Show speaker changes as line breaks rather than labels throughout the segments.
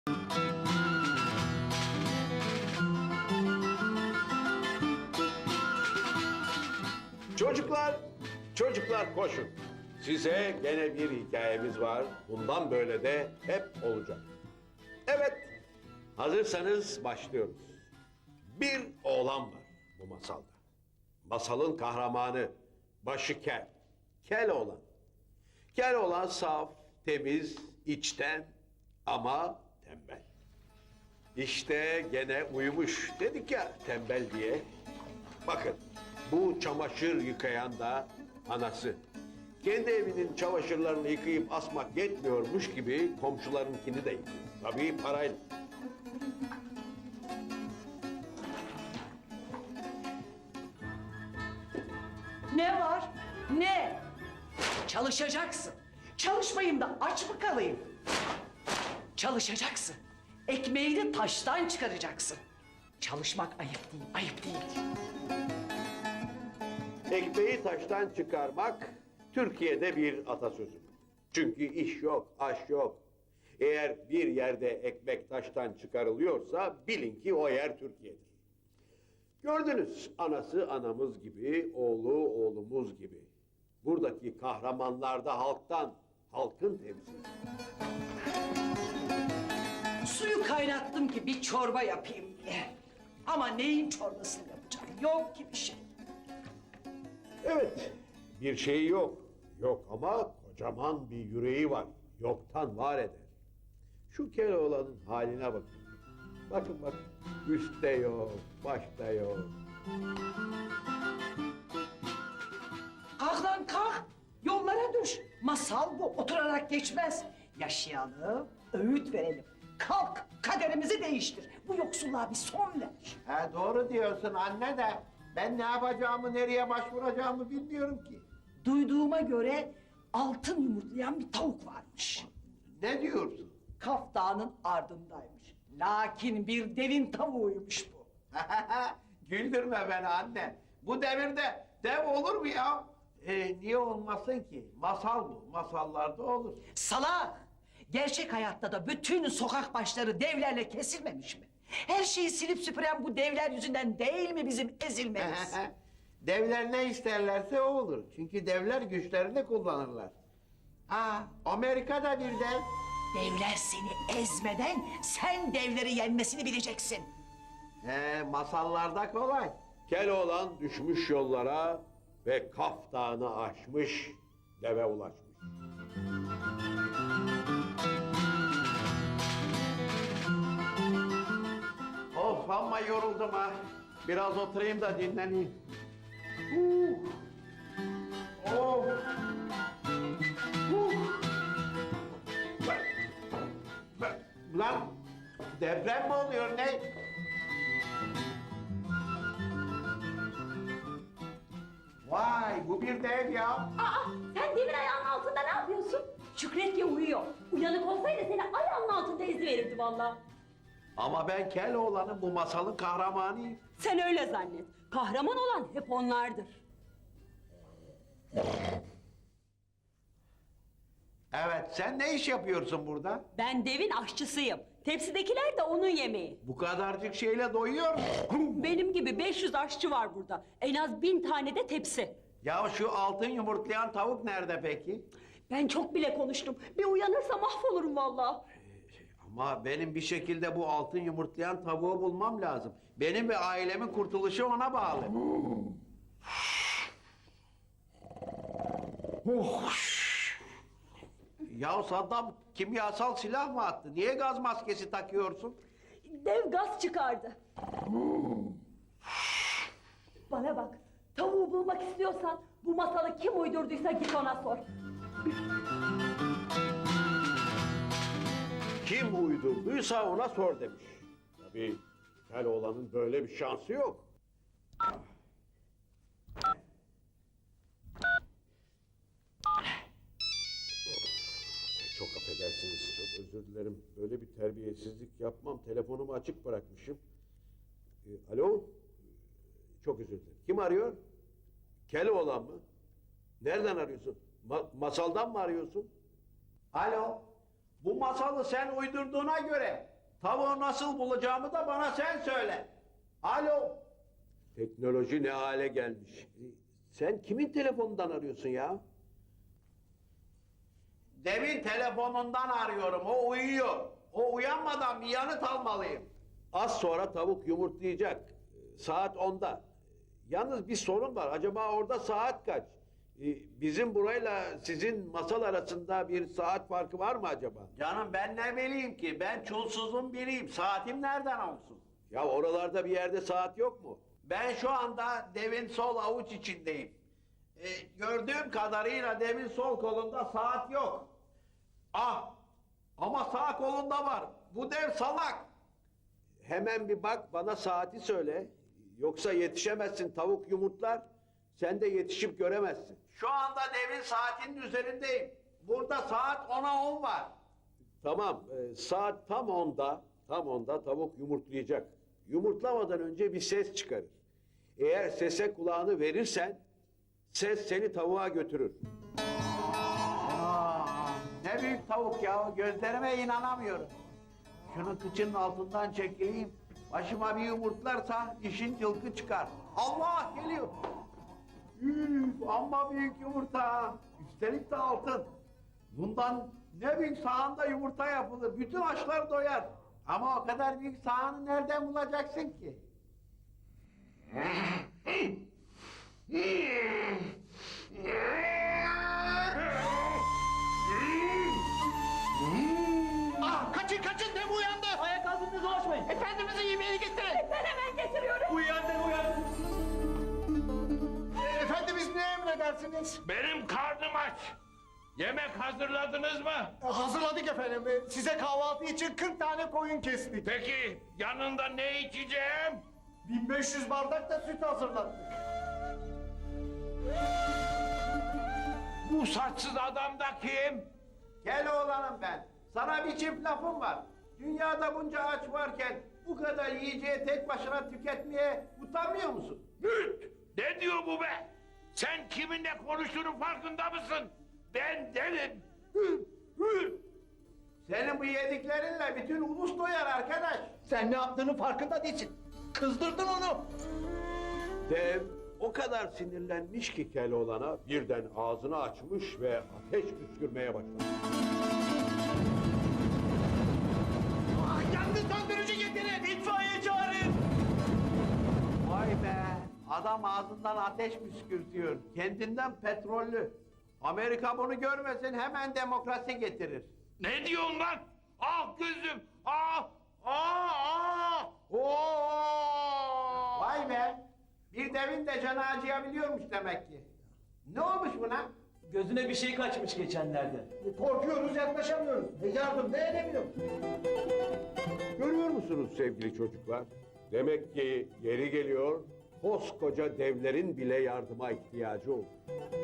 Çocuklar koşun. Size gene bir hikayemiz var. Bundan böyle de hep olacak. Evet, hazırsanız başlıyoruz. Bir oğlan var bu masalda. Masalın kahramanı, başı kel. Kel oğlan. Kel oğlan saf, temiz, içten ama tembel. İşte gene uyumuş dedik ya tembel diye. Bakın bu çamaşır yıkayan da anası. Kendi evinin çamaşırlarını yıkayıp asmak yetmiyormuş gibi komşularınkini de yıkıyor. Tabii parayla.
Ne var? Ne? Çalışacaksın. Çalışmayayım da aç mı kalayım? Çalışacaksın. Ekmeğini taştan çıkaracaksın. Çalışmak ayıp değil, ayıp değil.
Ekmeği taştan çıkarmak Türkiye'de bir atasözü. Çünkü iş yok, aş yok. Eğer bir yerde ekmek taştan çıkarılıyorsa bilin ki o yer Türkiye'dir. Gördünüz, anası anamız gibi, oğlu oğlumuz gibi. Buradaki kahramanlar da halktan, halkın temsili.
Suyu kaynattım ki bir çorba yapayım diye. Ama neyin çorbasını yapacağım? Yok ki bir şey.
Evet, bir şeyi yok. Yok ama kocaman bir yüreği var. Yoktan var eder. Şu Keloğlan'ın haline bakın. Bakın bakın. Üstte yok, başta yok.
Kalk lan kalk. Yollara düş. Masal bu. Oturarak geçmez. Yaşayalım, öğüt verelim. Kalk, kaderimizi değiştir. Bu yoksulluğa bir son ver.
Ha, doğru diyorsun anne de ben ne yapacağımı, nereye başvuracağımı bilmiyorum ki.
Duyduğuma göre altın yumurtlayan bir tavuk varmış.
Ne diyorsun?
Kaf Dağı'nın ardındaymış. Lakin bir devin tavuğuymuş bu.
Güldürme beni anne. Bu devirde dev olur mu ya? Niye olmasın ki? Masal bu. Masallarda olur.
Salak! Gerçek hayatta da bütün sokak başları devlerle kesilmemiş mi? Her şeyi silip süpüren bu devler yüzünden değil mi bizim ezilmemiz?
Devler ne isterlerse o olur. Çünkü devler güçlerini kullanırlar. Amerika'da bir dev.
Devler seni ezmeden sen devleri yenmesini bileceksin.
Masallarda kolay.
Keloğlan düşmüş yollara ve Kaf Dağı'nı aşmış, deve ulaşmış.
Of amma yoruldum ha. Biraz oturayım da dinleneyim. Of. Lan deprem mi oluyor ne? Vay bu bir dev ya.
Aa, sen devin ayağının altında ne yapıyorsun? Şükret ki uyuyor. Uyanık olsaydı seni ayağının altında eziverirdi vallahi.
Ama ben Keloğlan'ın bu masalın kahramanıyım.
Sen öyle zannet. Kahraman olan hep onlardır.
Evet sen ne iş yapıyorsun burada?
Ben devin aşçısıyım. Tepsidekiler de onun yemeği.
Bu kadarcık şeyle doyuyor musun?
Benim gibi 500 aşçı var burada. En az 1000 tane de tepsi.
Ya şu altın yumurtlayan tavuk nerede peki?
Ben çok bile konuştum. Bir uyanırsa mahvolurum vallahi.
Ama benim bir şekilde bu altın yumurtlayan tavuğu bulmam lazım. Benim ve ailemin kurtuluşu ona bağlı. Ya Saddam kimyasal silah mı attı? Niye gaz maskesi takıyorsun?
Dev gaz çıkardı. Bana bak. Tavuğu bulmak istiyorsan bu masalı kim uydurduysa git ona sor.
Kim uydurduysa ona sor demiş. Tabii Keloğlan'ın böyle bir şansı yok. Çok affedersiniz, çok özür dilerim. Böyle bir terbiyesizlik yapmam. Telefonumu açık bırakmışım. Alo? Çok özür dilerim. Kim arıyor? Keloğlan mı? Nereden arıyorsun? Masaldan mı arıyorsun?
Alo, bu masalı sen uydurduğuna göre Tavuğu nasıl bulacağımı da bana sen söyle. Alo.
Teknoloji ne hale gelmiş. Sen kimin telefonundan arıyorsun ya?
Devin telefonundan arıyorum. O uyuyor. O uyanmadan bir yanıt almalıyım.
Az sonra tavuk yumurtlayacak. Saat 10'da. Yalnız bir sorun var. Acaba orada saat kaç? Bizim burayla sizin masal arasında bir saat farkı var mı acaba?
Canım ben ne bileyim ki? Ben çulsuzun biriyim. Saatim nereden olsun?
Ya oralarda bir yerde saat yok mu?
Ben şu anda devin sol avuç içindeyim. Gördüğüm kadarıyla devin sol kolunda saat yok. Ah! Ama sağ kolunda var. Bu dev salak.
Hemen bir bak, bana saati söyle. Yoksa yetişemezsin, tavuk yumurtlar. Sen de yetişip göremezsin.
Şu anda devin saatinin üzerindeyim. Burada saat 10'a 10 var.
Tamam, saat tam 10'da, tavuk yumurtlayacak. Yumurtlamadan önce bir ses çıkarır. Eğer sese kulağını verirsen, ses seni tavuğa götürür.
Aa, ne büyük tavuk ya. Gözlerime inanamıyorum. Şunu kıçının altından çekeyim. Başıma bir yumurtlarsa işin cılkı çıkar. Allah geliyor. Üf, amma büyük yumurta. Üstelik de altın. Bundan ne büyük sahanda yumurta yapılır. Bütün açlar doyar. Ama o kadar büyük sahanı nereden bulacaksın ki?
Ah, kaçın kaçın, dev uyandı.
Ayak altında dolaşmayın.
Efendimizin yemeğini getirin.
Ben hemen getiriyorum.
Uyandı.
Efendimiz ne emredersiniz?
Benim karnım aç. Yemek hazırladınız mı?
Hazırladık efendim. Size kahvaltı için 40 tane koyun kestik.
Peki yanında ne içeceğim?
1500 bardak da süt hazırladık.
Bu saçsız adam da kim?
Gel oğlanım ben. Sana bir çift lafım var. Dünyada bunca aç varken bu kadar yiyeceği tek başına tüketmeye utanmıyor musun?
Hüt! Ne diyor bu be? Sen kiminle konuştuğunun farkında mısın? Ben derim. Hüt! Hüt!
Senin bu yediklerinle bütün ulus doyar arkadaş.
Sen ne yaptığının farkında değilsin. Kızdırdın onu.
Dev o kadar sinirlenmiş ki Keloğlan'a birden ağzını açmış ve ateş püskürmeye başladı.
Ah, yangın söndürücü getirin. İtfaiye çağırın.
Vay be! Adam ağzından ateş püskürtüyor. Kendinden petrollü. Amerika bunu görmesin hemen demokrasi getirir.
Ne diyorsun lan? Ah gözüm! Ah! Ah! Ah! Oo!
Vay be! Bir devin de canı acıyabiliyormuş demek ki. Ne olmuş buna?
Gözüne bir şey kaçmış geçenlerde.
Korkuyoruz, yaklaşamıyoruz. Yardım ne edemiyoruz?
Görüyor musunuz sevgili çocuklar? Demek ki yeri geliyor, koskoca devlerin bile yardıma ihtiyacı olur.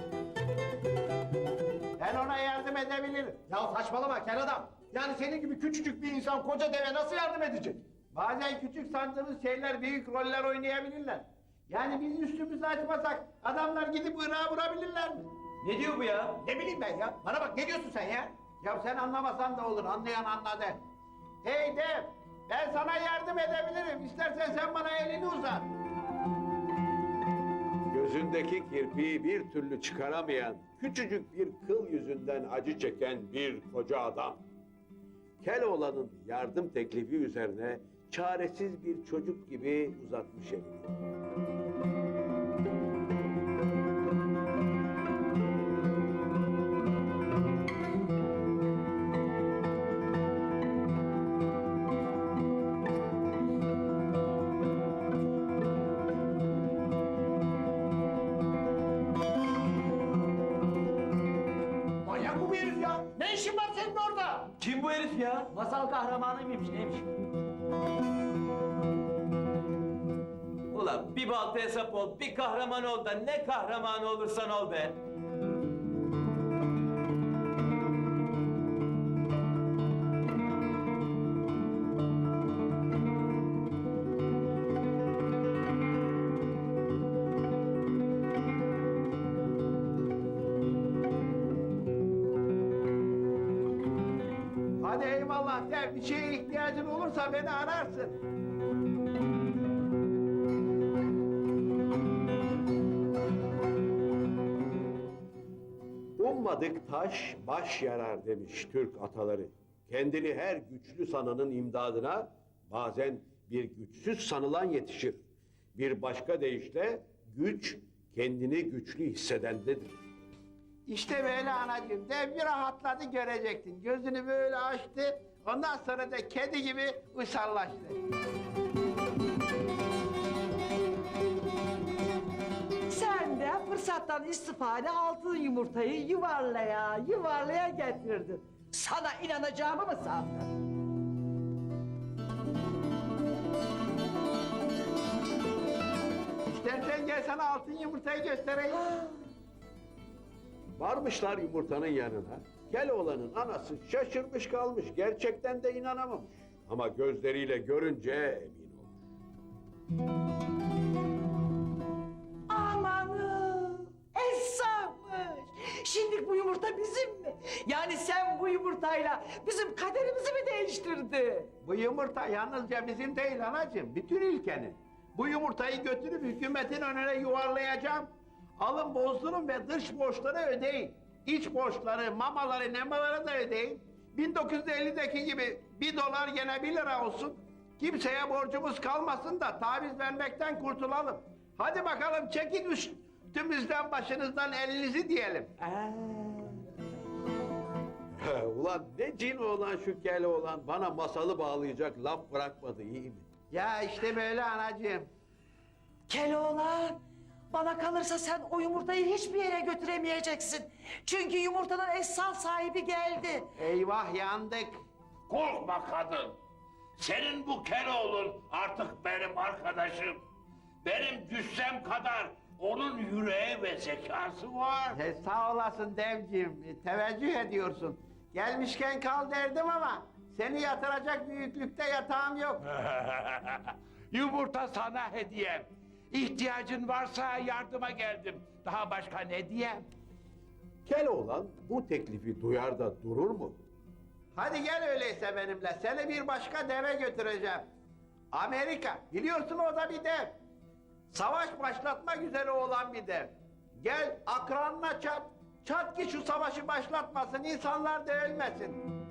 Ben ona yardım edebilirim.
Ya saçmalama kel adam. Yani senin gibi küçücük bir insan koca deve nasıl yardım edecek?
Bazen küçük sandığımız şeyler büyük roller oynayabilirler. Yani biz üstümüzü açmasak adamlar gidip Irak'a vurabilirler mi?
Ne diyor bu ya?
Ne bileyim ben ya. Bana bak, ne diyorsun sen ya?
Ya sen anlamasan da olur, anlayan anladı. Hey dev, ben sana yardım edebilirim. İstersen sen bana elini uzat.
Gözündeki kirpiği bir türlü çıkaramayan, küçücük bir kıl yüzünden acı çeken bir koca adam. Keloğlan'ın yardım teklifi üzerine çaresiz bir çocuk gibi uzatmış elini.
Manyak bu bir herif ya. Ne işin var senin orada?
Kim bu herif ya? Masal kahramanı mıymış neymiş? Ulan bir balta hesap ol, bir kahraman ol da ne kahramanı olursan ol be.
Hadi eyvallah dev, Öyle bir şeye ihtiyacın olursa beni ararsın.
Ummadık taş baş yarar demiş Türk ataları. Kendini her güçlü sananın imdadına bazen bir güçsüz sanılan yetişir. Bir başka deyişle güç kendini güçlü hissedendedir.
İşte böyle anacığım, dev bir rahatladı görecektin. Gözünü böyle açtı, ondan sonra da kedi gibi uysallaştı.
Sen de fırsattan istifade altın yumurtayı yuvarlaya getirdin. Sana inanacağımı mı sandın?
İstersen gel sana altın yumurtayı göstereyim.
Varmışlar yumurtanın yanına. Keloğlan'ın anası şaşırmış kalmış. Gerçekten de inanamamış. Ama gözleriyle görünce emin olmuş.
Amanı! Esra'mış! Şimdi bu yumurta bizim mi? Yani sen bu yumurtayla bizim kaderimizi mi değiştirdin?
Bu yumurta yalnızca bizim değil anacığım, bütün ülkenin. Bu yumurtayı götürüp hükümetin önüne yuvarlayacağım. Alın bozdurun ve dış borçları ödeyin. İç borçları, mamaları, nemaları da ödeyin. 1950'deki gibi $1 gene $1 olsun. Kimseye borcumuz kalmasın da taviz vermekten kurtulalım. Hadi bakalım çekin üstümüzden başınızdan elinizi diyelim.
Ulan ne cin oğlan şu Keloğlan bana masalı bağlayacak laf bırakmadı iyi mi?
Ya işte böyle anacığım.
Keloğlan, bana kalırsa sen o yumurtayı hiçbir yere götüremeyeceksin. Çünkü yumurtanın esas sahibi geldi.
Eyvah yandık.
Korkma kadın. Senin bu Keloğlun artık benim arkadaşım. Benim cüssem kadar onun yüreği ve zekası var.
Sağ olasın devciğim, teveccüh ediyorsun. Gelmişken kal derdim ama seni yatıracak büyüklükte yatağım yok.
Yumurta sana hediyem. İhtiyacın varsa yardıma geldim. Daha başka ne diyeyim?
Keloğlan bu teklifi duyar da durur mu?
Hadi gel öyleyse benimle, seni bir başka deve götüreceğim. Amerika, biliyorsun o da bir dev. Savaş başlatmak üzere olan bir dev. Gel akranına çat, çat ki şu savaşı başlatmasın, insanlar da ölmesin.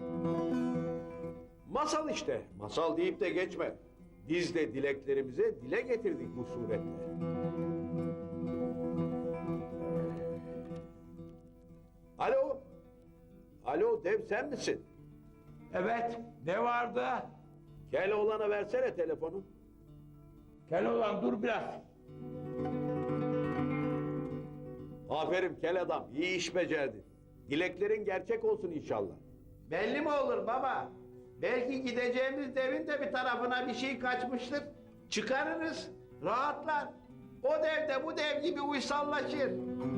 Masal işte. Masal deyip de geçme. Biz de dileklerimize dile getirdik bu suretle. Alo. Alo dev sen misin?
Evet, ne vardı?
Keloğlan'a versene telefonu.
Keloğlan dur biraz.
Aferin kel adam. İyi iş becerdin. Dileklerin gerçek olsun inşallah.
Belli mi olur baba? Belki gideceğimiz devin de bir tarafına bir şey kaçmıştır. Çıkarırız, rahatlar. O dev de bu dev gibi uysallaşır.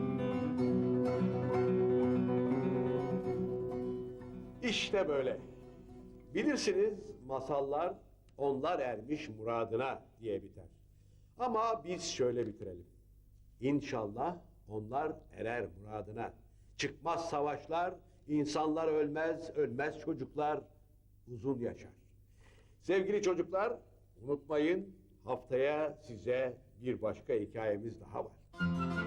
İşte böyle. Bilirsiniz masallar onlar ermiş muradına diye biter. Ama biz şöyle bitirelim. İnşallah onlar erer muradına. Çıkmaz savaşlar, insanlar ölmez, ölmez çocuklar uzun yaşar. Sevgili çocuklar, unutmayın haftaya size bir başka hikayemiz daha var.